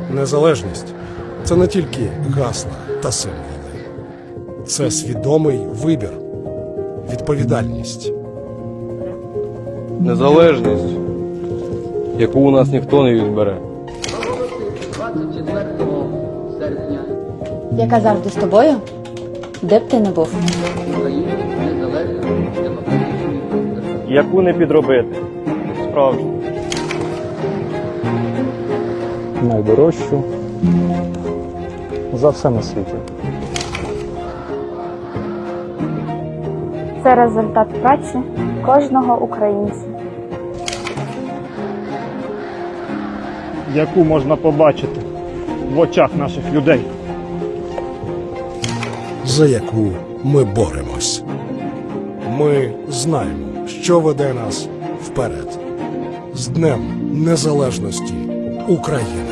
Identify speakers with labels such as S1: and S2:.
S1: Незалежність – це не тільки гасла та символи. Це свідомий вибір, відповідальність.
S2: Незалежність, яку у нас ніхто не відбере.
S3: 24 серпня
S4: Яка завжди з тобою, де б ти не був.
S3: Україна незалежна демократична держава.
S5: Яку не підробити. Справжню.
S6: Найдорожчу за все на світі.
S7: Це результат праці кожного українця.
S5: Яку можна побачити в очах наших людей.
S1: За яку ми боремось. Ми знаємо, що веде нас вперед. З Днем Незалежності України!